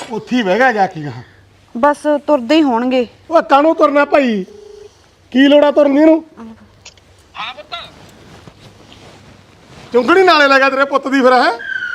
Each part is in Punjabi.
ਉੱਥੇ ਹੀ ਬਹਿ ਗਿਆ ਜਾ ਕੇ ਗਾ। ਬਸ ਤੁਰਦੇ ਹੀ ਹੋਣਗੇ। ਉਹ ਕਾਹਨੂੰ ਤੁਰਨਾ ਭਾਈ, ਕੀ ਲੋੜਾ ਤੁਰਨੀ ਨੂੰ? ਹਾਂ ਪੁੱਤ। ਚੁੰਗੜੀ ਨਾਲੇ ਲੱਗਾ ਤੇਰੇ ਪੁੱਤ ਦੀ ਫਿਰ ਹੈ।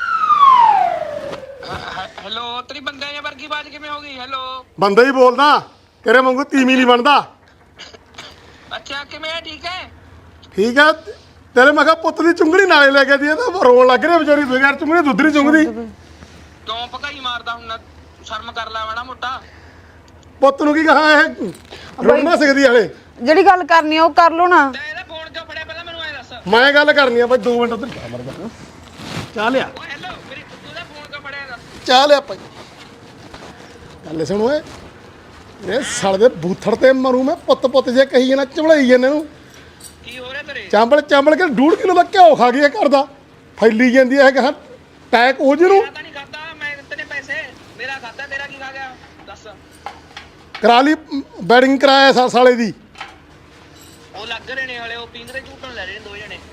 ਹੈਲੋ, ਤੇਰੀ ਬੰਦੇ ਜਾਂ ਵਰਗੀ ਬਾਜ ਕਿਵੇਂ ਹੋ ਗਈ? ਹੈਲੋ, ਬੰਦਾ ਹੀ ਬੋਲਦਾ, ਤੇਰੇ ਵਾਂਗੂ ਤੀਵੀਂ ਨਹੀਂ ਬਣਦਾ। ਅੱਛਾ ਕਿਵੇਂ ਹੈ? ਠੀਕ ਹੈ। ਠੀਕ ਆ ਤੇਰੇ ਮੈਂ ਕਿਹਾ ਪੁੱਤ ਦੀ ਚੁੰਗੜੀ ਨਾਲੇ ਲੈ ਕੇ ਦੀ ਤਾਂ ਰੋਣ ਲੱਗ ਰਿਹਾ ਵਿਚਾਰੀ, ਬਗੈਰ ਚੁੰਗੜੀ ਦੁੱਧ ਨਹੀਂ ਚੁੰਗਦੀ। ਕਿਉਂ ਭਕਾਈ ਮਾਰਦਾ ਹੁਣ? ਸ਼ਰਮ ਕਰ ਲੈ ਮਾੜਾ ਮੋਟਾ। ਪੁੱਤ ਨੂੰ ਕੀ ਕਹਾਂ, ਇਹ ਰੋਣਾ ਸਿੱਖਦੀ ਹਲੇ। ਜਿਹੜੀ ਗੱਲ ਕਰਨੀ ਆ ਉਹ ਕਰ ਲੋ ਨਾ। ਤੇ ਇਹਦਾ ਫੋਨ ਕਿਉਂ ਫੜਿਆ ਪਹਿਲਾਂ ਮੈਨੂੰ ਐ ਦੱਸ। ਮੈਂ ਗੱਲ ਕਰਨੀ ਆ ਬਾਈ 2 ਮਿੰਟ ਉੱਧਰ ਜਾ ਮਰਦਾ। ਚਾਹ ਲਿਆ, ਓ ਹੈਲੋ, ਮੇਰੀ ਤੂੰ ਦਾ ਫੋਨ ਕਿਉਂ ਫੜਿਆ ਦੱਸ। ਚਾਹ ਲਿਆ ਭਾਈ। ਗੱਲ ਸੁਣ ਓਏ, ਇਹ ਸਾਲੇ ਦੇ ਬੂਥੜ ਤੇ ਮਰੂ ਮੈਂ, ਪੁੱਤ ਪੁੱਤ ਜੇ ਕਹੀ ਜਾਣਾ, ਝਵਲਾਈ ਜਾਂਦੇ ਨੂੰ। ਕੀ ਹੋ ਰਿਹਾ ਤੇਰੇ? ਚਾਂਬਲ ਚਾਂਬਲ ਕੇ 1.5 ਕਿਲੋ ਦਾ ਘਿਓ ਖਾ ਗਿਆ ਘਰ ਦਾ, ਫੈਲੀ ਜਾਂਦੀ ਹੈ ਕਹਾਂ ਟੈਕ ਹੋ ਜਿਹਨੂੰ। ਮੈਂ ਤਾਂ ਨਹੀਂ ਖਾਦਾ, ਮੈਂ ਦਿੱਤੇ ਨੇ ਪੈਸੇ, ਮੇਰਾ ਖਾਦਾ, ਤੇਰਾ ਕੀ ਖਾ ਗਿਆ ਦੱਸ। ਕਰਾ ਲਈ ਬੈਡਿੰਗ ਕਰਾਇਆ ਸਾਲੇ ਦੀ। ਉਹ ਲੱਗ ਰਹੇ ਨੇ ਹਲੇ, ਉਹ ਪਿੰਗਰੇ ਝੂਟਣ ਲੈ ਰਹੇ ਨੇ 2 ਜਣੇ।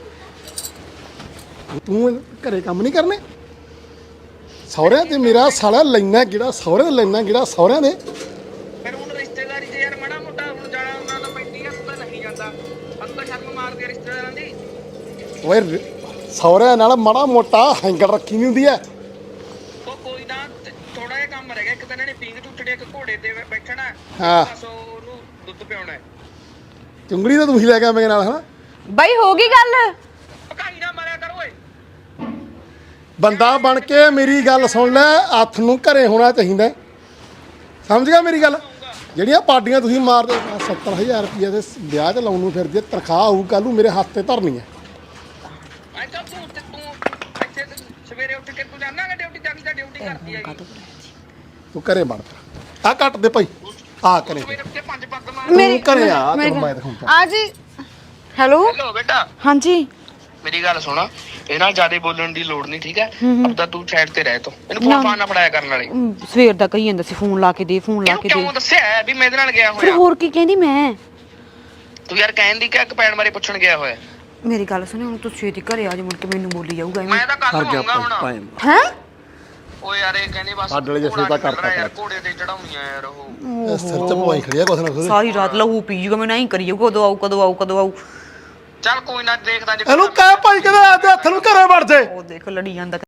ਤੂੰ ਘਰੇ ਕੰਮ ਨਹੀਂ ਕਰਨੇ? ਸਹੁਰਿਆਂ ਤੇ ਮੇਰਾ ਸਾਲਾ ਲੈਣਾ ਜਿਹੜਾ ਸਹੁਰੇ ਲੈਣਾ ਜਿਹੜਾ ਸਹੁਰਿਆਂ ਦੇ। ਫਿਰ ਹੁਣ ਰਿਸ਼ਤੇਦਾਰੀ 'ਚ ਯਾਰ ਮਾੜਾ ਮੋਟਾ ਹੁਣ ਜਾਣਾ ਉਹਨਾਂ ਦਾ ਪੈਂਦੀ ਆ, ਤੂੰ ਤਾਂ ਨਹੀਂ ਜਾਂਦਾ। ਸਾਨੂੰ ਤਾਂ ਸ਼ਰਮ ਮਾਰਦੀ ਆ ਰਿਸ਼ਤੇਦਾਰਾਂ ਦੀ। ਓਏ ਸਹੁਰਿਆਂ ਨਾਲ ਮਾੜਾ ਮੋਟਾ ਹੈਂਗਲ ਰੱਖੀ ਨਹੀਂ ਹੁੰਦੀ ਐ। ਉਹ ਕੋਈ ਨਾ, ਥੋੜਾ ਜਿਹਾ ਕੰਮ ਰਹਿ ਗਿਆ। ਇੱਕ ਤਾਂ ਇਹਨਾਂ ਨੇ ਪੀਂਘ ਝੂਟੜੀ, ਇੱਕ ਘੋੜੇ ਤੇ ਬੈਠਣਾ। ਹਾਂ। ਬਸ ਉਹਨੂੰ ਦੁੱਧ ਪਿਆਉਣਾ ਹੈ। ਚੁੰਗੜੀ ਤਾਂ ਤੂੰ ਹੀ ਲੈ ਕੇ ਮੇਰੇ ਨਾਲ ਹਨਾ। ਬਾਈ ਹੋ ਗਈ ਗੱਲ। ਭਕਾਈ ਨਾ ਮਾਰਿਆ ਕਰ ਓਏ। ਬੰਦਾ ਬਣ ਕੇ ਮੇਰੀ ਗੱਲ ਸੁਣ ਲੈ, ਹੱਥ ਨੂੰ ਘਰੇ ਹੋਣਾ ਚਾਹੀਦਾ, ਸਮਝ ਗਿਆ ਮੇਰੀ ਗੱਲ? ਜਿਹੜੀਆਂ ਪਾਰਟੀਆਂ ਤੁਸੀਂ ਮਾਰਦੇ 70,000 ਰੁਪਏ ਦੇ ਵਿਆਹ 'ਚ ਲਾਉਣ ਨੂੰ ਫਿਰਦੀ, ਤਨਖਾਹ ਆਊ ਕੱਲ ਨੂੰ ਮੇਰੇ ਹੱਥ ਤੇ ਧਰਨੀ ਹੈ। ਮੈਂ ਤਾਂ ਤੂੰ ਇੱਥੇ ਸਵੇਰੇ ਉੱਠ ਕੇ ਤੂੰ ਜਾਣਾ ਕਿ ਡਿਊਟੀ ਜਾਂਦੀ ਤਾਂ ਡਿਊਟੀ ਕਰਦੀ ਹੈਗੀ। ਤੂੰ ਘਰੇ ਵੜ ਆ, ਕੱਟ ਦੇ ਭਾਈ ਆ ਕਰੇ ਸਵੇਰੇ ਉੱਠ ਕੇ 5 ਪੱਗ ਮਾਰ। ਤੂੰ ਘਰੇ ਆ, ਤੈਨੂੰ ਮੈਂ ਦਿਖਾਉਂਦਾ। ਆ ਜੀ। ਹੈਲੋ ਹੈਲੋ ਬੇਟਾ, ਹਾਂਜੀ। ਮੇਰੀ ਗੱਲ ਸੁਣ, ਇਹ ਨਾਲ ਜ਼ਿਆਦਾ ਬੋਲਣ ਦੀ ਲੋੜ ਨਹੀਂ, ਠੀਕ ਹੈ? ਆਪਦਾ ਤੂੰ ਸਾਈਡ ਤੇ ਰਹਿ, ਤੂੰ ਇਹਨੂੰ ਫੋਨ ਫਾਨ ਨਾ ਫੜਾਇਆ ਕਰਨ ਵਾਲੇ। ਸਵੇਰ ਦਾ ਕਹੀ ਜਾਂਦਾ ਸੀ ਫੋਨ ਲਾ ਕੇ ਦੇ, ਫੋਨ ਲਾ ਇਹਨੂੰ ਕੇ ਦੇ। ਕਿਉਂ ਦੱਸਿਆ ਵੀ ਮੈਂ ਇਹਦੇ ਨਾਲ ਗਿਆ ਫਿਰ ਹੋਇਆ? ਹੋਰ ਕੀ ਕਹਿੰਦੀ ਮੈਂ? ਤੂੰ ਯਾਰ ਕਹਿੰਦੀ ਕਿ ਕਪੈਣ ਬਾਰੇ ਪੁੱਛਣ ਗਿਆ ਹੋਇਆ। ਮੇਰੀ ਗੱਲ ਸੁਣੀ, ਹੁਣ ਤੂੰ ਛੇਤੀ ਘਰੇ ਆ ਜਾ, ਮੁੜ ਕੇ ਮੈਨੂੰ ਬੋਲੀ ਜਾਊਗਾ ਮੈਂ ਤਾਂ ਕੱਲ ਆਉਂਗਾ ਹੁਣ। ਹੈ। ਓ ਯਾਰ ਇਹ ਕਹਿੰਦੇ ਬਸ ਸਾਡੇ ਵਾਲੇ ਜਿਹਾ ਤਾਂ ਕਰਤਾ ਯਾਰ, ਘੋੜੇ ਤੇ ਚੜਾਉਣੀਆਂ ਯਾਰ ਉਹ। ਸਿਰ 'ਚ ਪਵਾਈ ਖੜੀ ਆ ਕੁਛ ਨਾ ਕੁਛ। ਸਾਰੀ ਰਾਤ ਲਹੂ ਪੀ ਜੂਗਾ, ਮੈਂ ਨਹੀਂ ਕਰੀ ਜਾਊਗਾ। ਕਦੋਂ ਆਊ ਕਦੋਂ ਆਊ ਕਦੋਂ ਆਊ। ਚੱਲ ਕੋਈ ਨਾ, ਦੇਖਦਾ ਜੇ ਇਹਨੂੰ ਕਹਿ ਭਾਈ ਕਿਹਦੇ ਹੱਥ ਨੂੰ ਘਰੇ ਵੜ ਜੇ। ਉਹ ਦੇਖ ਲੜੀ ਜਾਂਦਾ।